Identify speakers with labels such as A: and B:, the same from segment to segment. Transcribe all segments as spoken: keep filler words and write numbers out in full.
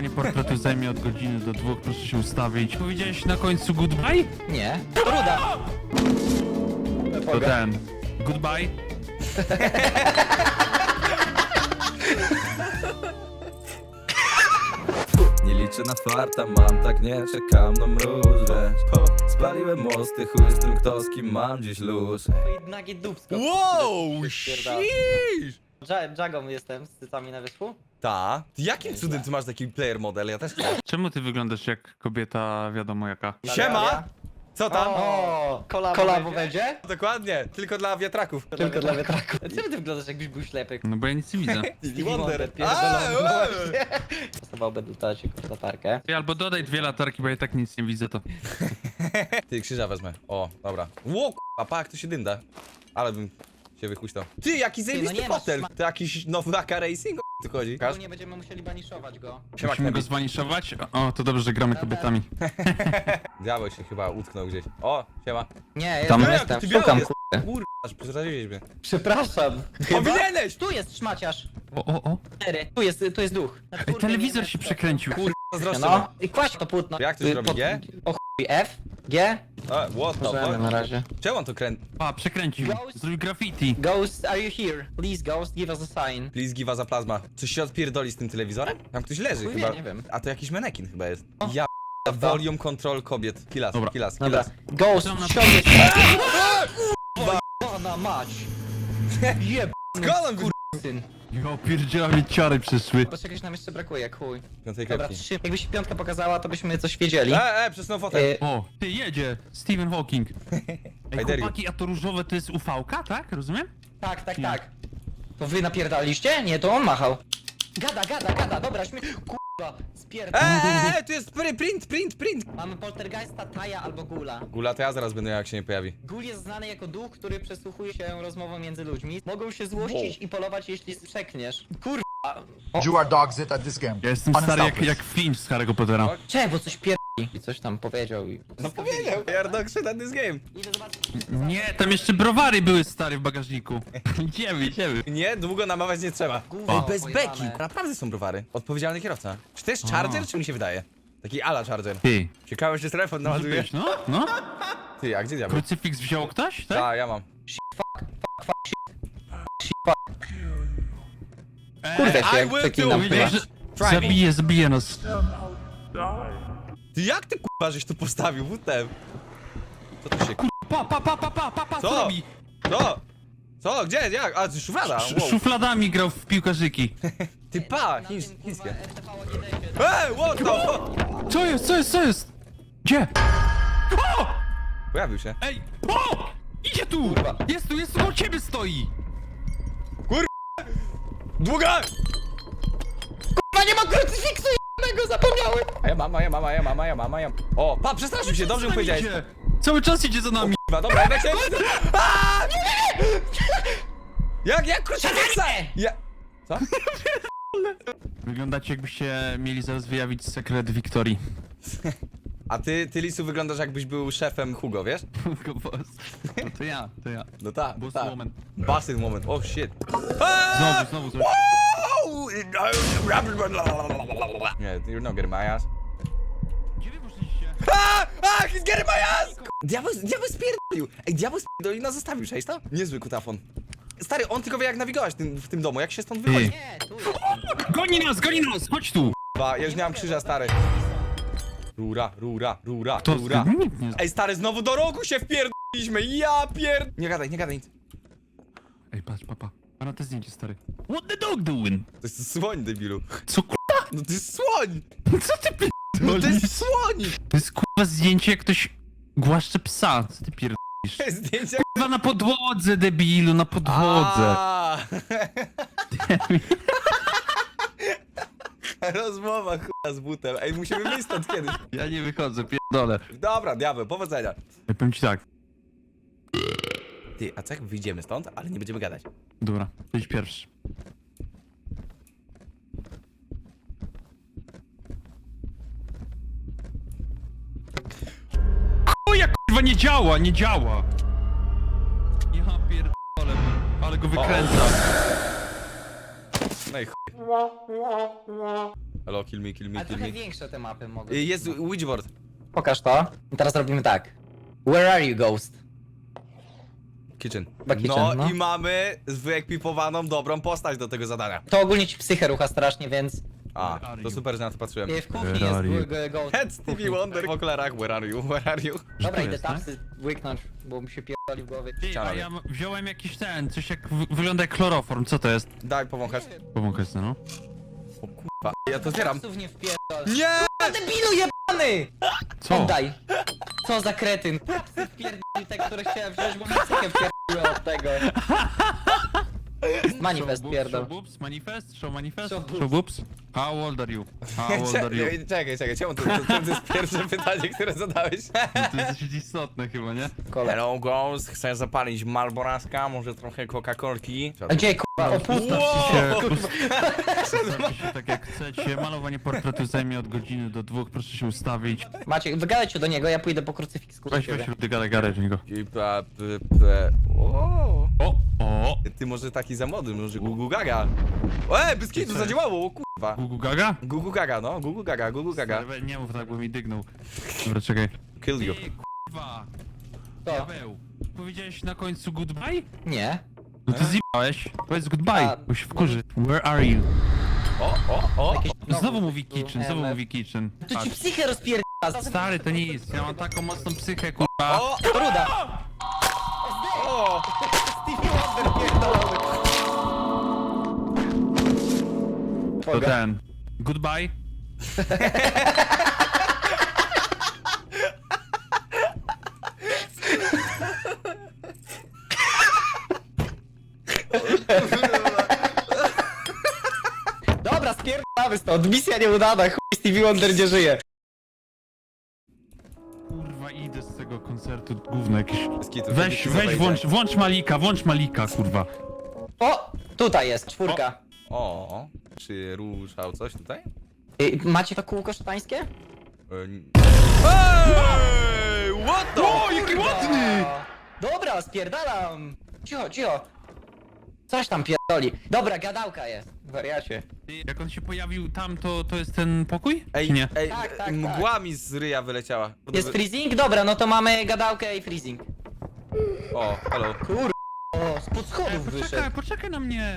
A: Malowanie portretu zajmie od godziny do dwóch, proszę się ustawić. Powiedziałeś na końcu goodbye?
B: Nie. Ruda.
A: To ten. Goodbye.
C: Nie liczę na farta, mam tak nie czekam na mróz, wiesz. Po, spaliłem mosty, chuj z tym kto z kim mam dziś luz.
B: Nagie dupsko.
D: Wow,
B: Spierdala.
D: sheesh!
B: Dża- Dżagą jestem z cycami na wierzchu.
D: Ta. Jakim cudem ty masz taki player model? Ja też chcę.
A: Czemu ty wyglądasz jak kobieta wiadomo jaka?
D: Siema! Co tam?
B: O, kolabo, kolabo będzie?
D: Dokładnie, tylko dla wiatraków.
B: Tylko dla wiatraku. Czemu ty wyglądasz jakbyś był ślepy?
A: No bo ja nic nie widzę.
D: Stevie Wonder. A,
B: pierdolony.
D: ue.
B: Dostawałby tutaj ci latarkę.
A: Ty albo dodaj dwie latarki, bo ja i tak nic nie widzę to.
D: Ty, krzyża wezmę. O, dobra. Ło, a pa, jak to się dynda. Ale bym się wychuśtał. Ty, jaki zajebisty
B: nie masz
D: fotel.
B: sma-
D: To jakiś nowy A K Racing? O, tu chodzi. Każ?
B: Nie będziemy musieli baniszować go.
D: Siema,
A: Musimy go
D: Knebi.
A: zwaniszować? O, to dobrze, że gramy kobietami.
D: Diabeł się chyba utknął gdzieś. O, siema.
B: Nie, jestem,
A: Tam-
B: jestem.
D: Ty
B: Szukam,
D: jest.
B: kurde.
D: Kurwa, aż przeraziłeś mnie.
B: Przepraszam.
D: Powinieneś!
B: Tu jest szmaciarz.
A: O, o, o.
B: Cztery. Tu jest, tu jest duch. Na
A: Ej,
B: czwórkę
A: telewizor
B: nie
A: się
B: wiem,
A: przekręcił.
D: Kurwa, zazdroszczę.
B: No i kładź to płótno.
D: Jak to się
B: Y,
D: robi,
B: pod-
D: G?
B: O chuj, F, G.
D: A, what the
B: Możemy na
D: fuck?
B: razie.
D: Czemu on to kręci?
A: A, przekręcił.
B: Ghost?
A: Zrobił graffiti.
B: Ghost, are you here? Please, Ghost, give us a sign.
D: Please give us a plasma. Coś się odpierdoli z tym telewizorem? Tam ktoś leży
B: Chuj
D: chyba.
B: wie, nie wiem.
D: A to jakiś manekin chyba jest.
B: O.
D: Ja p- volume control kobiet. Kilas,
A: Dobra.
D: kilas,
B: Dobra.
D: kilas.
B: Ghost,
A: Tam na-
B: ściągnie się. Pana mać. Jeb...
D: Skąd on
B: syn.
A: Jo, pierdziela mnie ciary przyszły.
B: Bo czegoś nam jeszcze brakuje, chuj.
D: Piątej
B: Dobra,
D: kropki.
B: trzy. Jakby się piątka pokazała, to byśmy coś wiedzieli.
D: E, e, przesunął fotel.
B: Y,
A: O, ty jedzie. Stephen Hawking. Ej,
D: I dare you.
A: chłopaki, a to różowe to jest U V-ka, tak? Rozumiem?
B: tak, tak,
A: Nie.
B: tak. To wy napierdaliście? Nie, to on machał. Gada, gada, gada, dobra, śmie... Kurwa,
D: E,
B: spierdol.
D: e, e, tu jest pry- print, print, print.
B: Mamy poltergeista, Taja albo Gula.
D: Gula, to ja zaraz będę jak się nie pojawi.
B: Gul jest znany jako duch, który przesłuchuje się rozmową między ludźmi. Mogą się złościć i polować, jeśli przekniesz. Kurwa.
E: You are dogs it at this game.
A: Ja jestem stary jak,
E: Unselfish.
A: jak Finch z Harry'ego Pottera.
B: Czemu, bo coś pierdoli. I coś tam powiedział i...
D: No powiedział. Jardok shit at this game.
B: Idę zobaczyć.
A: Nie, tam jeszcze browary były stary w bagażniku. Idziemy, idziemy.
D: Nie, długo namawiać nie trzeba.
B: Gówno
D: Ej, bez
B: pojebane.
D: beki. Naprawdę są browary. Odpowiedzialny kierowca. Czy to jest Charger, czy mi się wydaje? Taki ala Charger.
A: Ty,
D: Ciekawe, czy telefon
A: może
D: naładuje.
A: być, no? No?
D: Ty, a gdzie diabeł?
A: Krucyfiks wziął ktoś, tak?
D: Tak, ja mam.
B: Kurwa się,
D: I
B: jak
D: will
B: przeklinam.
D: do it.
A: Powiedział, że
D: Try me.
A: zabije, zabije nas.
D: Ty jak ty kurwa żeś tu postawił? W T. Co tu się...
A: Pa, pa, pa, pa, pa, pa, pa, co
D: Co?
A: robi?
D: Co? Co? Gdzie? Jak? A, to szuflada.
A: Sz
D: Wow.
A: szufladami grał w piłkarzyki.
D: Ty pa,
B: Na
D: chińs,
B: tym, kurwa,
D: chińskie.
B: R T V nie dajcie.
D: Ej, what the fuck?
A: Co jest, co jest, co jest? Gdzie? O!
D: Pojawił się.
A: Ej! O! Idzie tu! Jest tu, jest tu, koło ciebie stoi!
D: Długa!
B: Kurwa, nie ma krucyfiksu jednego, zapomniałem!
D: A ja mam, a ja mam, a ja mam, a ja mam, a ja mam. O, pa, przestraszył się, dobrze mu powiedziałeś.
A: Idzie. Cały czas idzie za nami.
D: Kurwa, dobra, jak się... Aaa! Jak, jak krucyfiksa? Ja... Co?
A: Wyglądacie jakbyście mieli zaraz wyjawić sekret Wiktorii.
D: A ty, ty Lisu, wyglądasz jakbyś był szefem Hugo, wiesz?
A: No to ja, to ja.
D: No tak,
A: Boss
D: tak.
A: moment.
D: Bossy moment, oh shit.
A: Znowu, znowu, znowu.
D: Nie, you're not getting my ass.
A: Gdzie wy poszliście?
D: A! A! He's getting my ass! Diabeł, diabeł spierdolił! Ej, diabeł spierdolił i nas zostawił, cześć to? Niezły kutafon. Stary, on tylko wie jak nawigować tym, w tym domu, jak się stąd wychodzi.
B: Nie, tu jest.
A: Goni nas, goni nas, chodź tu!
D: Ba, ja już nie mam krzyża, stary. Rura, rura, rura,
A: To
D: rura.
A: nikt nie...
D: Ej, stary, znowu do rogu się wpierdoliśmy, ja pierd... Nie gadaj, nie gadaj nic.
A: Ej, patrz, papa. A na te zdjęcie, stary. What the dog doing?
D: To jest słoń, debilu.
A: Co ku...
D: No to jest słoń!
A: Co ty pi...
D: No to jest słoń!
A: To jest kurwa zdjęcie jak ktoś głaszcze psa. Co ty pierdolisz?
D: Zdjęcia...
A: Kurwa na podłodze, debilu, na podłodze.
D: A. Rozmowa chuja z butem. Ej, musimy wyjść stąd kiedyś.
A: Ja nie wychodzę, pierdolę.
D: Dobra, diabeł, powodzenia.
A: Ja powiem ci tak.
D: Ty, a co jak wyjdziemy stąd, ale nie będziemy gadać?
A: Dobra, to idź pierwszy. Chuja kurwa nie działa, nie działa. Ja pierdolę, ale go wykręca.
D: No i chuj. Hello, kill me, kill me,
B: Ale
D: kill
B: trochę
D: me.
B: większe te mapy mogą
D: Y,
B: być.
D: Jest witchboard.
B: Pokaż to. I teraz robimy tak. Where are you, ghost?
D: Kitchen.
B: Chyba kitchen,
D: No,
B: no.
D: i mamy wyekwipowaną dobrą postać do tego zadania.
B: To ogólnie ci psychę rucha strasznie, więc...
D: A,
A: Where are
D: to
A: you?
D: super, że na to patrzyłem.
B: y, W kuchni
A: Where
B: jest
A: are you?
B: g- g- ghost.
D: Head Stevie Wonder w okularach, where are you, where are you?
A: Że
B: Dobra,
A: tu
B: idę
A: jest, tak?
B: tapsy łyknąć, bo mi się pierdoli w głowie.
A: Ty, a
D: Ścianowie.
A: ja m- wziąłem jakiś ten, coś jak wy- wygląda jak chloroform, co to jest?
D: Daj, powąchasz.
A: Powąchaj sobie, no.
D: O kurwa, ja to zbieram.
B: Tapsów nie wpierdol.
D: Nie!
B: A debilu jebany!
A: Co?
B: Oddaj! Co za kretyn! Tapsy wpierdoli te, które chciałem wziąć, bo mi psychę wpierdoliły od tego. Manifest
A: Show boobs,
B: pierdol.
A: Show boobs, manifest, show manifest,
B: Show boobs.
A: show boobs. How old are you? How old are you?
D: Czekaj, czekaj, czekaj, czemu to, to, to jest pierwsze pytanie, które zadałeś?
A: To jest dosyć istotne chyba, nie?
B: Kole.
D: Hello Ghost, chcę zapalić Malboraska, może trochę Coca-Colki.
B: A gdzie kurwa? O pusto!
A: Się, Ustawcie się tak jak chcecie. Malowanie portretu zajmie od godziny do dwóch, proszę się ustawić.
B: Maciek, wygadajcie do niego, ja pójdę po krucyfiks. kurwa,
A: Weź,
B: ciebie.
A: weź, Rudy, gadaj, gadaj do niego.
D: I pa, p, p, o.
A: O, o!
D: Ty może taki za młody, może Gugu Gaga. E, bez kitu,
A: Co
D: zadziałało, o kurwa.
A: Gugu Gaga?
D: Gugu Gaga, no, Gugu Gaga, Gugu Gaga.
A: Stary, nie mów tak, bo mi dygnął. Dobra, czekaj.
D: Kill you.
A: Ty, kurwa!
B: To?
A: Diabeł, powiedziałeś na końcu goodbye?
B: Nie.
A: No ty zjebałeś. Powiedz goodbye,
B: A,
A: bo się wkurzy. Where are you?
D: O, o, o.
B: Jakieś-
A: Znowu mówi kitchen, znowu
B: M F.
A: mówi kitchen.
B: To ci
A: Patrz.
B: psychę rozpierdala.
A: Stary, to nic, ja mam taką mocną psychę, kurwa.
D: O,
B: Ruda.
D: o.
B: Stevie Wonder pierdolony.
A: To ten. Goodbye.
B: Dobra, spierdolamy stąd. Misja nieudana, chuj Stevie Wonder nie żyje.
A: Kurwa, idę z tego koncertu, gówno jakieś.
D: Bez kitu,
A: Weź,
D: kiedy
A: weź,
D: się
A: włącz, włącz Malika, włącz Malika, kurwa.
B: O! Tutaj jest, czwórka.
D: O, czy ruszał coś tutaj?
B: Y, macie to kółko szatańskie?
D: E, Ej, what the?
A: O, jaki ładny!
B: Dobra, spierdalam. Cicho, cicho. Coś tam pierdoli. Dobra, gadałka jest. Wariacie.
A: Ty, jak on się pojawił tam, to, to jest ten pokój?
D: Ej,
A: Czy nie?
D: ej,
B: Tak, tak,
D: mgła mi z ryja wyleciała.
B: Jest freezing? Dobra, no to mamy gadałkę i freezing.
D: O, hello.
B: Kur... O, spod
A: Ej,
B: schodów
A: poczekaj,
B: wyszedł.
A: poczekaj na mnie.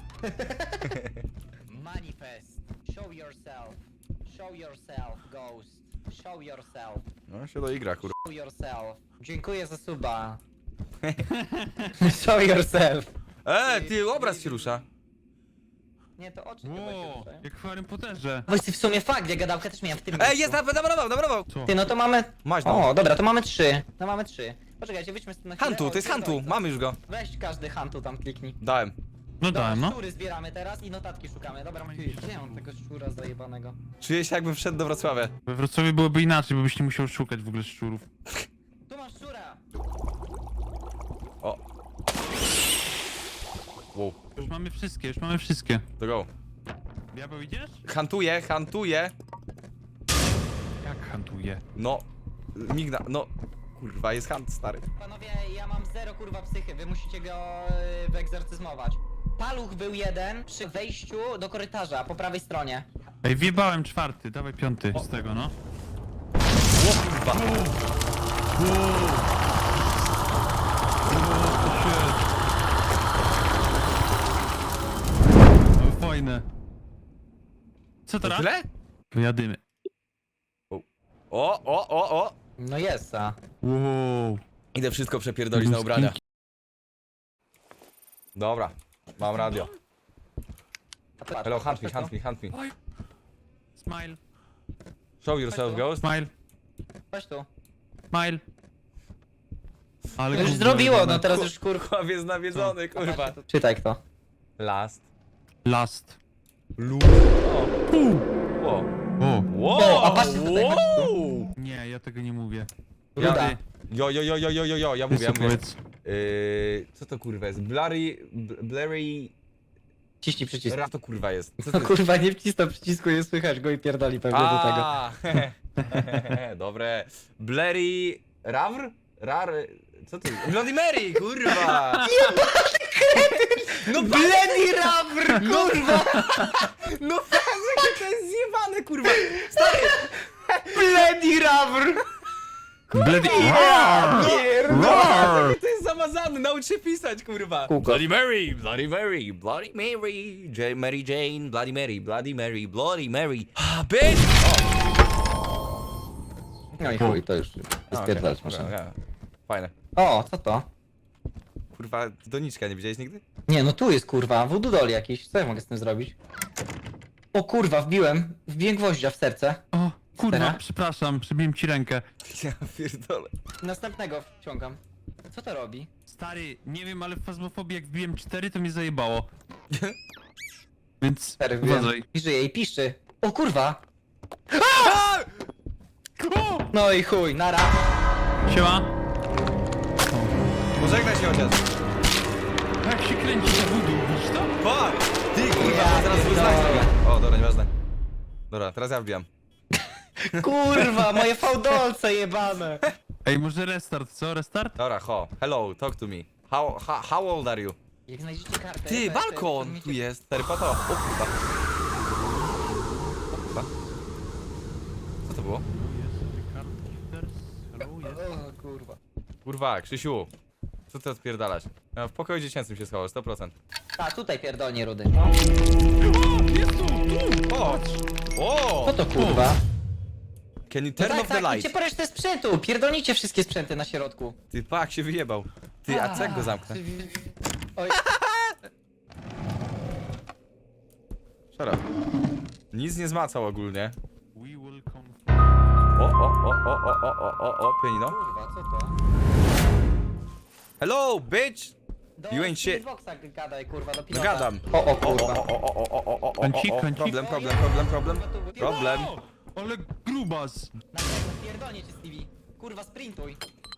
B: Manifest. Show yourself. Show yourself, ghost. Show yourself.
D: No się doigra, kurwa.
B: Show yourself. Dziękuję za suba. Show yourself.
D: E, ty, obraz się rusza.
B: Nie, to oczy chyba się
A: Ło,
B: ruszają.
A: jak w Harrym Potterze.
B: Właściwie w sumie fakt, ja gadałkę też miałem w tym
D: Ej,
B: miejscu.
D: jest, namalował, namalował.
A: Co?
B: Ty, no to mamy...
D: Masz no.
B: O, dobra, to mamy trzy. No mamy trzy. Poczekajcie, wyjdźmy stąd na chwilę.
D: Hantu,
B: O,
D: to jest
B: pierdolę,
D: Hantu,
B: co?
D: mamy już go.
B: Weź każdy Hantu tam kliknij.
D: Dałem.
A: No
B: Dobra,
A: dałem, no.
B: szczury zbieramy teraz i notatki szukamy. Dobra, ty, gdzie mam tego szczura zajebanego?
D: Czuję się jakbym wszedł do Wrocławia.
A: We Wrocławiu byłoby inaczej, bo byś nie musiał szukać w ogóle szczurów.
B: Tu masz szczura!
D: O. Wow,
A: Już mamy wszystkie, już mamy wszystkie.
D: to go.
A: Diabeł idziesz?
D: Hantuję, hantuję.
A: Jak hantuje?
D: No, migna, no. Kurwa, jest hunt, stary.
B: Panowie, ja mam zero kurwa psychy, wy musicie go yy, wyegzorcyzmować. Paluch był jeden przy wejściu do korytarza, po prawej stronie.
A: Ej, wjebałem czwarty, dawaj piąty z tego, no.
D: O kurwa.
A: No, fajne. Co
D: To
A: teraz?
D: tyle?
A: Wyjadymy.
D: O, o, o, o.
B: No jest, a.
A: Wow.
D: Idę wszystko przepierdolić na ubrania. Dobra, mam radio.
B: a patrz,
D: Hello,
B: patrz,
D: hunt me,
B: patrz,
D: hunt me, hunt me.
A: Oj. Smile,
D: Show yourself, ghost.
A: smile,
B: Chodź tu.
A: smile. Ale
B: To już
A: gówno
B: zrobiło,
A: jebane.
B: no teraz już kurwa.
D: Kurwa, jest nawiedzony, kurwa.
B: Czytaj kto.
D: Last.
A: Last.
D: Lu. O.
A: O.
D: Wow.
B: O, a patrzcie tutaj,
D: wow.
A: Nie, ja tego nie mówię.
B: Ruda.
A: Ty,
D: Jo, jo, jo, jo, jo, jo, jo, ja
A: ty
D: mówię, ja
A: co
D: mówię.
A: powiedz.
D: Yy, co to kurwa jest? Blurry, bl- blurry...
B: Ciśnij przycisk.
D: Ra to kurwa jest. Co
B: No
D: to jest?
B: kurwa, nie wcisnął przycisku, nie słychać go i pierdoli pewnie do tego.
D: A, dobre. Blurry... Rawr? Rar... Co to jest? Bloody Mary, kurwa! No
B: Blady Rabr, kurwa!
D: No jakie to jest zjebane, kurwa! Stary!
B: Blady Rabr!
A: Blady...
D: No, to jest zamazane, naucz się pisać, kurwa!
B: Kółko.
D: Bloody Mary, Bloody Mary, Bloody Mary, J Mary Jane, Bloody Mary, Bloody Mary, Bloody Mary. Ah, bitch!
B: No i chuj, to już
D: O,
B: spierdalać
D: okej,
B: można.
D: dobra, fajne.
B: O, co to?
D: Kurwa, doniczka nie widziałeś nigdy?
B: Nie, no tu jest kurwa, voodoo doll jakiś. Co ja mogę z tym zrobić? O kurwa, wbiłem, wbiłem gwoździa w serce.
A: O, kurwa,
B: Teraz?
A: przepraszam, przybiłem ci rękę.
D: Ja pierdolę.
B: Następnego wciągam. Co to robi?
A: Stary, nie wiem, ale w fazmofobii jak wbiłem cztery, to mnie zajebało. Więc
B: Cztery wbiłem.
A: uważaj.
B: I żyje i piszczy. O kurwa!
D: A!
A: O!
B: No i chuj, nara.
A: Siema.
D: Pożegnaj się chociaż.
A: Jak się kręci te voodoo, widzisz to?
D: Fuck! Ty, kurwa,
B: Ja
D: zaraz
B: pierdolę.
D: wyznać. O, dobra, nieważne. Dobra, teraz ja wbijam.
B: Kurwa, moje fałdolce jebane.
A: Ej, może restart, co? Restart?
D: Dobra, ho. Hello, talk to me. How, how, how old are you?
B: Jak znajdziecie kartę...
D: Ty,
B: to-
D: balkon
B: to-
D: tu jest. Stary, po to. O kurwa. O kurwa. Co to było?
B: O kurwa.
D: Kurwa, Krzysiu. Co ty odpierdalasz? Ja w pokoju dziecięcym się schowasz, sto procent.
B: A, tutaj pierdolnie rudy.
A: O, jest tu, tu!
D: O! O!
B: Co to kurwa?
D: Can you
B: No
D: turn
B: tak,
D: off the
B: tak,
D: light?
B: idźcie po resztę sprzętu, pierdolnicie wszystkie sprzęty na środku.
D: Ty, pak się wyjebał. Ty, a co jak go zamknę?
B: Oj,
D: Szara. Nic nie zmacał ogólnie.
A: We will come...
D: O, o, o, o, o, o, o, o, o, pianino.
B: kurwa, co to?
D: Hello, bitch!
B: Do
D: You ain't shit.
B: Xboxa gadaj, kurwa, do
D: No
B: pilota.
D: gadam.
B: O, o,
D: O, o,
B: kurwa.
D: o, o, o, o, o, o, o,
A: Kącik,
D: o, o,
A: kącik.
D: problem, problem, problem, problem, problem.
A: O, ale grubas.
B: Na pewno pierdolnie cię, Stevie. Kurwa, sprintuj.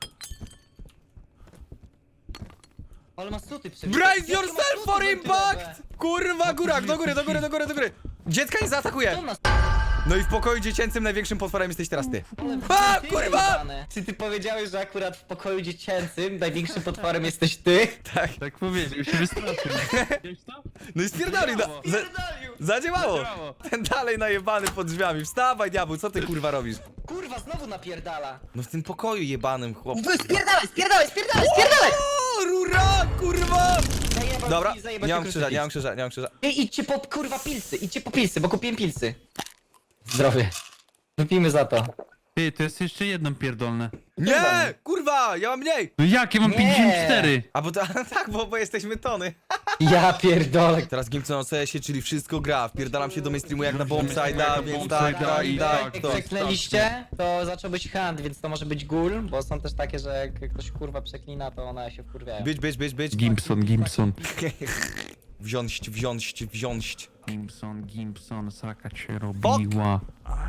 B: Ale masz suty przebite.
D: Brace
B: Jakie masz
D: yourself
B: suty
D: for
B: wentylowe?
D: impact! Kurwa, góra, do góry, do góry, do góry, do góry. Dziecka nie
B: Co
D: zaatakuje.
B: masz?
D: No i w pokoju dziecięcym największym potworem jesteś teraz ty.
B: Ale
D: A,
B: ty
D: kurwa!
B: jebane. Czy ty powiedziałeś, że akurat w pokoju dziecięcym największym potworem jesteś ty?
D: Tak.
A: Tak powiedział, się wystraszył. Wiesz to?
D: No i spierdoli, no.
A: Zadziałało.
D: Za, zadziałało.
A: Zadziałało.
D: Ten dalej najebany pod drzwiami. Wstawaj, diabeł, co ty kurwa robisz?
B: Kurwa, znowu napierdala.
D: No w tym pokoju jebanym, chłop.
B: Wy spierdalaj, spierdalaj, spierdalaj, spierdalaj!
D: O, rura, kurwa!
B: Zajebał
D: Dobra,
B: ci, zajebał
D: nie
B: ci
D: mam krzyża, nie mam
B: krucyfiks.
D: krzyża, nie mam krzyża.
B: Ej, idźcie po kurwa pilsy, idźcie po pilsy, bo kupiłem pilsy. Zdrowie. Wypijmy za to.
A: Ty, to jest jeszcze jedno pierdolne.
D: Nie, kurwa, ja mam mniej.
A: No jak, ja mam
B: Nie.
A: pięćdziesiąt cztery.
D: A bo to, tak, bo, bo jesteśmy tony.
B: Ja pierdolę.
D: Teraz Gimson o C S ie, czyli wszystko gra. Wpierdalam się do mainstreamu jak na Bombside'a,
A: Jak na
D: więc tak,
A: Bombside'a
D: tak,
A: i
D: tak,
A: tak,
D: to.
A: tak.
B: Jak kliknęliście, to zaczął być hand, więc to może być ghoul, bo są też takie, że jak ktoś kurwa przeklina, to one się wkurwiają.
D: Być, być, być, być.
A: Gimpson, Gimpson.
D: Wziąć, wziąć, wziąć.
A: Gimpson, Gimpson, sraka cię robiła.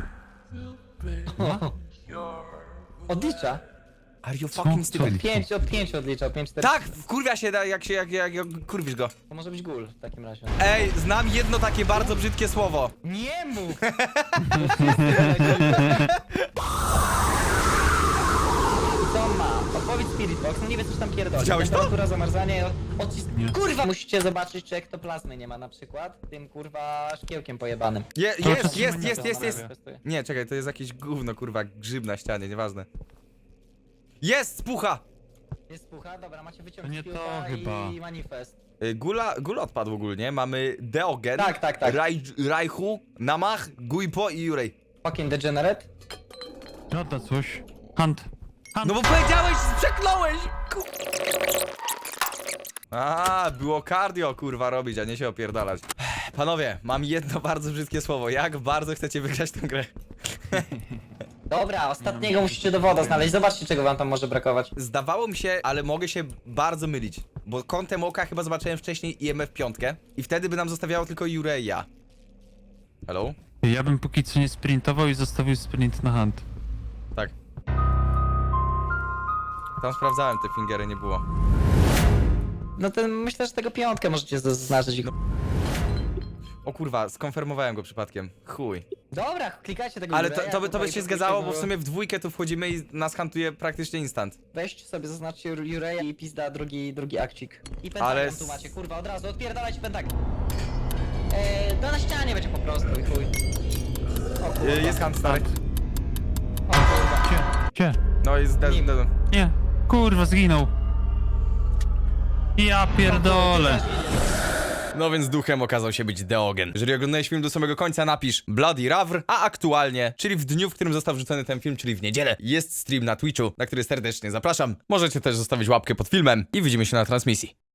B: Odlicza?
D: Are you
A: Co?
D: fucking
A: Co?
D: stupid?
B: Pięć, od pięciu odliczał, pięć, cztery.
D: Tak, wkurwia się da- jak się, jak, jak, jak kurwisz go.
B: To może być ghoul w takim razie.
D: Ej, znam jedno takie bardzo brzydkie słowo.
B: Nie mów! I co on ma? Odpowiedź Spirit Box, no nie wiem coś tam pierdoli.
D: Widziałeś to?
B: Temperatura, zamarzanie, odcisk...
A: Nie.
B: Kurwa! Musicie zobaczyć, czy ektoplazmy nie ma na przykład. Tym kurwa szkiełkiem pojebanym.
D: Je,
A: To
D: jest,
A: czasem
D: jest,
A: nie
D: jest,
A: to
D: jest, jest.
B: Manifestuje.
D: Nie, czekaj, to jest jakieś gówno, kurwa, grzyb na ścianie, nieważne. Jest, spucha!
B: Jest pucha, dobra, macie wyciąg
A: To nie
B: z
A: to
B: piłka
A: chyba.
B: i manifest.
D: Y, Gula, gula odpadł ogólnie, mamy Deogen,
B: Tak, tak, tak.
D: Raj, Rajchu, Namach, Guipo i Jurej.
B: Fucking degenerate.
A: Żadna coś. Hunt. Hunt.
D: No bo powiedziałeś, przekląłeś! Ku... A, było cardio, kurwa, robić, a nie się opierdalać. Panowie, mam jedno bardzo brzydkie słowo. Jak bardzo chcecie wygrać tę grę?
B: Dobra, ostatniego musicie do woda znaleźć. Zobaczcie, czego wam tam może brakować.
D: Zdawało mi się, ale mogę się bardzo mylić. Bo kątem oka chyba zobaczyłem wcześniej I M F pięć i wtedy by nam zostawiało tylko Jureja. Hello?
A: Ja bym póki co nie sprintował i zostawił sprint na hunt.
D: Tak. Tam sprawdzałem, te fingery nie było.
B: No to myślę, że tego piątkę możecie zaznaczyć.
D: O kurwa, skonfirmowałem go przypadkiem. Chuj.
B: Dobra, klikajcie tego
D: Ale to,
B: Jureja,
D: to, by, to by
B: kurwa,
D: się
B: i
D: zgadzało, bo w
B: próbujcie
D: sumie w dwójkę tu wchodzimy i nas hantuje praktycznie instant.
B: go- Weźcie sobie, zaznaczcie Jur- Jureja i pizda drugi, drugi akcik. I pentagram
D: Ale
B: tu
D: s-
B: macie, kurwa, od razu, odpierdalajcie pentagram. Eee, to na ścianie będzie po prostu i chuj. O kurwa,
D: Y, Jest hunt, stary.
B: o kurwa.
A: Gdzie? Gdzie?
D: No jest dead,
B: Nim.
D: dead.
A: Nie. Kurwa, zginął. Ja pierdolę.
D: No więc duchem okazał się być Deogen. Jeżeli oglądałeś film do samego końca, napisz Bloody Ravr, a aktualnie, czyli w dniu, w którym został wrzucony ten film, czyli w niedzielę, jest stream na Twitchu, na który serdecznie zapraszam. Możecie też zostawić łapkę pod filmem i widzimy się na transmisji.